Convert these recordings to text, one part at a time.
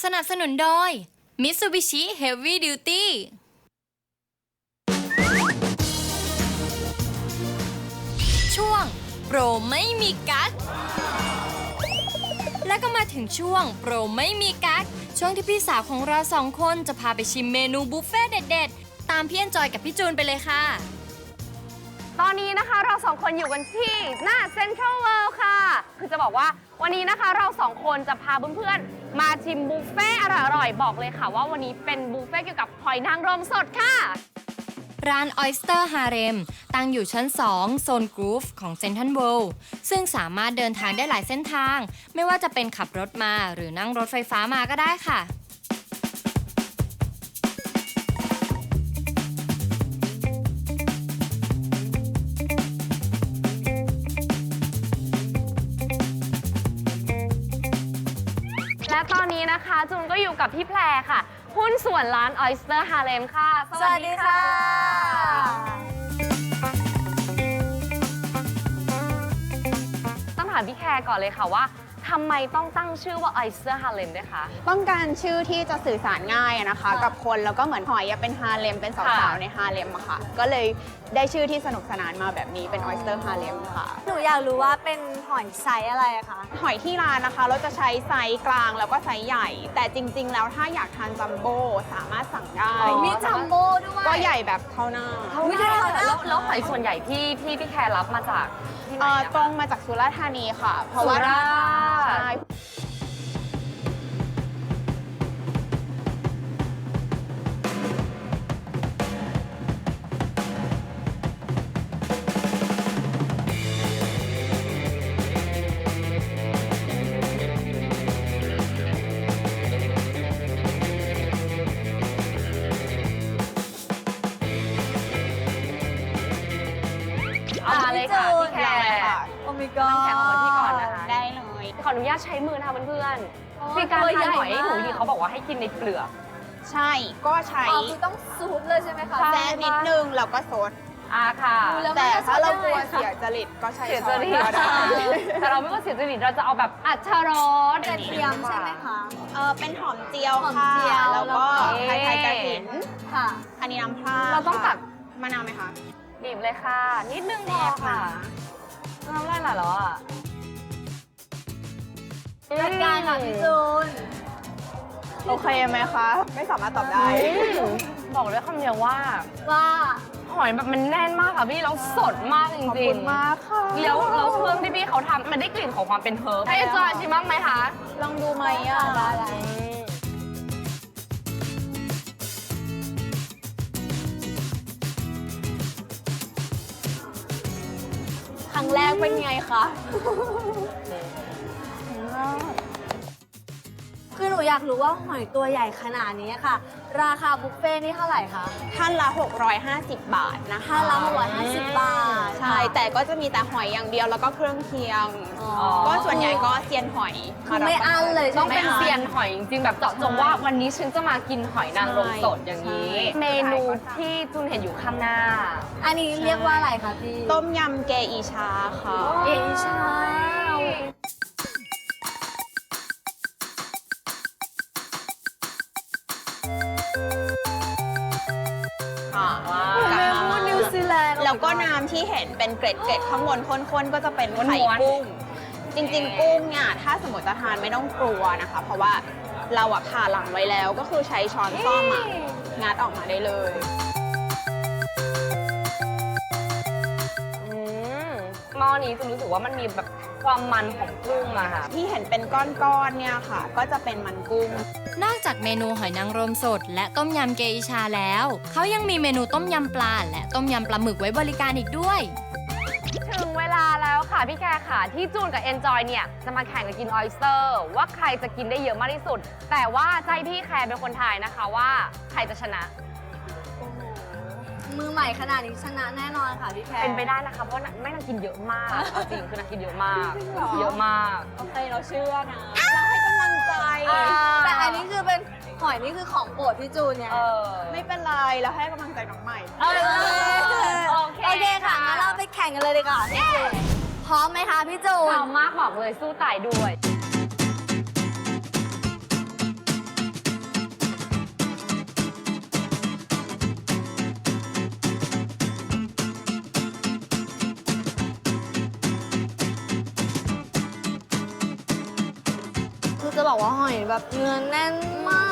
สนับสนุนโดย Mitsubishi Heavy Duty ช่วงโปรไม่มีกั๊กและก็มาถึงช่วงโปรไม่มีกั๊กช่วงที่พี่สาวของเราสองคนจะพาไปชิมเมนูบุฟเฟ่เด็ดๆตามพี่เอ็นจอยกับพี่จูนไปเลยค่ะตอนนี้นะคะเราสองคนอยู่กันที่หน้าเซ็นทรัลเวิลด์ค่ะคือจะบอกว่าวันนี้นะคะเราสองคนจะพาเพื่อนๆมาชิมบุฟเฟ่อร่อยๆบอกเลยค่ะว่าวันนี้เป็นบุฟเฟ่เกี่ยวกับหอยนางรมสดค่ะร้าน Oyster Harem ตั้งอยู่ชั้น 2 โซนกรูฟของเซ็นทรัลเวิลด์ซึ่งสามารถเดินทางได้หลายเส้นทางไม่ว่าจะเป็นขับรถมาหรือนั่งรถไฟฟ้ามาก็ได้ค่ะและตอนนี้นะคะจูนก็อยู่กับพี่แพรค่ะหุ้นส่วนร้าน Oyster Harem ค่ะสวัสดีค่ะต้องถามพี่แคร์ก่อนเลยค่ะว่าทำไมต้องตั้งชื่อว่า Oyster Harem ด้วยคะต้องการชื่อที่จะสื่อสารง่ายนะคะกับคนแล้วก็เหมือนหอยเป็นฮาเลมเป็นสาวๆในฮาเลมอะค่ะก็เลยได้ชื่อที่สนุกสนานมาแบบนี้เป็น Oyster Harem ค่ะหนูอยากรู้ว่าเป็นหอยไซส์อะไรอะคะหอยที่ร้านนะคะเราจะใช้ไซส์กลางแล้วก็ไซส์ใหญ่แต่จริงๆแล้วถ้าอยากทานจัมโบ้สามารถสั่งได้มีจัมโบ้ด้วยก็ใหญ่แบบเท่าหน้าแล้วหอยส่วนใหญ่ที่พี่แคร์รับมาจากที่ไหนตรงมาจากสุราษฎร์ธานีค่ะเพราะว่าสุราษฎร์ใช่เอามาเลยค่ะพี่แคร์โอ้ my god น้ำแข็งของพี่ก่อนนะคะได้เลยขออนุญาตใช้มือนะคะเพื่อนๆคือการทานหอยหนูดีเขาบอกว่าให้กินในเปลือกใช่ก็ใช้อ๋อคือต้องซูปเลยใช่ไหมคะแซะนิดนึงแล้วก็ซดค่ะแต่ถ้าเรากลัวเสียจริตก็ใช้เสียช้จอนริตก็ได้แต่เราไม่ว่าเสียจริตเราจะเอาแบบอัชรสกระเทียมใช่ไหมคะเป็นหอมเจียวหอมค่ะเจียวแล้วก็แล้วก็ไทยกระถินค่ะอันนี้น้ำพร่าเราต้องตักมะนาวไหมคะบีบเลยค่ะ นิดนึงพอค่ะน้ำลายไหลแล้วอ่ะจัดการค่ะพี่จูนโอเคไหมคะ ไม่สามารถตอบได้บอกเลยคำเดียวว่าว่าหอยแบบมันแน่นมากค่ะพี่แล้วสดมากจขอบริคุงณมากค่ะๆแล้วเครื่องที่พี่เขาทำมันได้กลิ่นของความเป็นเฮิร์บให้จอยชิมบ้างไหมคะลองดูไหมอ่ะได้ครั้งแรกเป็นไงคะคือหนูอยากรู้ว่าหอยตัวใหญ่ขนาดนี้ค่ะ ราคาบุฟเฟ่นี่เท่าไหร่คะท่านละ 650 บาทนะคะท่านละ650 บาทใช่ แต่ก็จะมีแต่หอยอย่างเดียวแล้วก็เครื่องเคียงอ๋อก็ส่วนใหญ่ก็เซียนหอยคือไม่อั้นเลยต้ใช่องไหมเป็นคะเซียนหอยจริงๆแบบเจาะจงว่าวันนี้ฉันจะมากินหอยนางรมสดอย่างนี้ เมนูที่จุนเห็นอยู่ข้างหน้าอันนี้เรียกว่าอะไรคะพี่ต้มยำเกอีชาค่ะเอชาค่ะเมนูนิวซีแลนด์แล้วก็น้ำที่เห็นเป็นเกล็ดๆข้างบนข้นๆก็จะเป็นไข่ม้วนๆกุ้ง จริงๆ กุ้งเนี่ยถ้าสมมติจะทานไม่ต้องกลัวนะคะ เพราะว่าเราอะผ่าหลังไว้แล้วก็คือใช้ช้อนซ่อมอะงัดออกมาได้เลยหม้อนี้จุนรู้สึกว่ามันมีแบบความมันของกุ้งอะค่ะที่เห็นเป็นก้อนๆเนี่ยค่ะ ก็จะเป็นมันกุ้งนอกจากเมนูหอยนางรมสดและต้มยำเกอิชาแล้วเขายังมีเมนูต้มยำปลาและต้มยำปลาหมึกไว้บริการอีกด้วยถึงเวลาแล้วค่ะพี่แคร์ค่ะที่จูนกับ Enjoy เนี่ยจะมาแข่งกันกินออยสเตอร์ว่าใครจะกินได้เยอะมากที่สุด แต่ว่าใจพี่แคร์เป็นคนทายนะคะว่าใครจะชนะมือใหม่ขนาดนี้ชนะแน่นอนค่ะพี่แพรเป็นไปได้นะคะเพราะไม่นางกินเยอะมากเอาจริงคือนางกินเยอะมากจริงเหรอเยอะมากโอเคเราเชื่อนะ เราให้กำลังใจแต่อันนี้คือเป็นหอยนี่คือของโปรดพี่จูนเนี่ยไม่เป็นไรเราให้กำลังใจน้องใหม่โอเคค่ะงั้นเราไปแข่งกันเลยดีกว่าพี่จูนพร้อมไหมคะพี่จูนพร้อมมากบอกเลยสู้ตายด้วยบอกว่าหอยแบบเนื้อแน่นมาก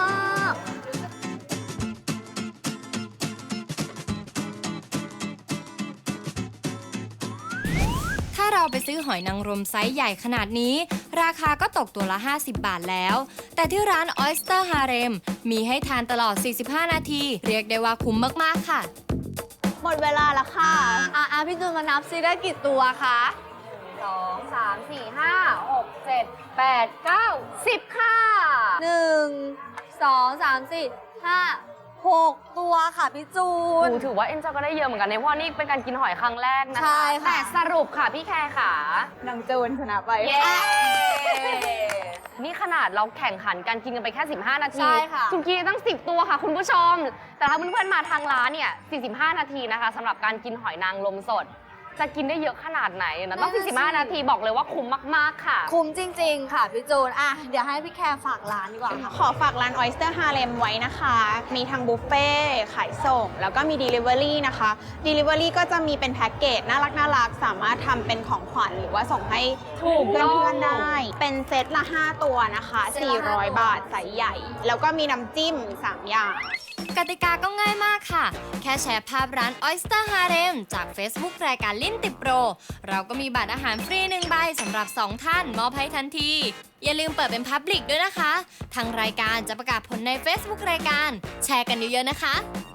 ถ้าเราไปซื้อหอยนางรมไซส์ใหญ่ขนาดนี้ ราคาก็ตกตัวละ 50 บาทแล้ว แต่ที่ร้าน Oyster Harem มีให้ทานตลอด 45 นาที เรียกได้ว่าคุ้มมาก ๆ ค่ะหมดเวลาแล้วค่ะพี่จูนมานับซิได้กี่ตัวคะ 2 3 4 5 6 7 8 9 10 ค่ะ 1 2 3 4 5 6 ตัวค่ะพี่จูนถือว่าเอ็นจอยก็ได้เยอะเหมือนกันเนี่ยเพราะนี่เป็นการกินหอยครั้งแรกนะคะใช่ค่ะแต่สรุปค่ะพี่แคร์ค่ะนางจูนชนะไปเย้ นี่ขนาดเราแข่งขันการกินกันไปแค่ 15 นาทีใช่ค่ะคุณกินตั้ง 10 ตัวค่ะคุณผู้ชม แต่ถ้าเพื่อนๆมาทางร้านเนี่ย 45 นาทีนะคะสำหรับการกินหอยนางรมสด จะกินได้เยอะขนาดไหนนะต้อง 45 นาทีบอกเลยว่าคุ้มมากๆค่ะคุ้มจริง ๆ ค่ะพี่จูนเดี๋ยวให้พี่แคร์ฝากร้านดีกว่าค่ะขอฝากร้าน Oyster Harem ไว้นะคะ มีทั้งบุฟเฟ่ต์ขายส่ง แล้วก็มี Delivery นะคะ Delivery ก็จะมีเป็นแพ็กเกจน่ารักสามารถทำเป็นของขวัญหรือว่าส่งให้ถูกเพื่ต้องอนๆได้ เป็นเซตละ 5 ตัวนะคะเซตละ5 400 บาทไซส์ใหญ่ แล้วก็มีน้ำจิ้ม 3 อย่างกติกาก็ง่ายมากค่ะ แค่แชร์ภาพร้าน Oyster Harem จาก Facebook รายการลิ้นติดโปร เราก็มีบัตรอาหารฟรี1 ใบสำหรับ 2 ท่านมอบให้ทันที อย่าลืมเปิดเป็น Public ด้วยนะคะ ทางรายการจะประกาศผลใน Facebook รายการ แชร์กันเยอะๆนะคะ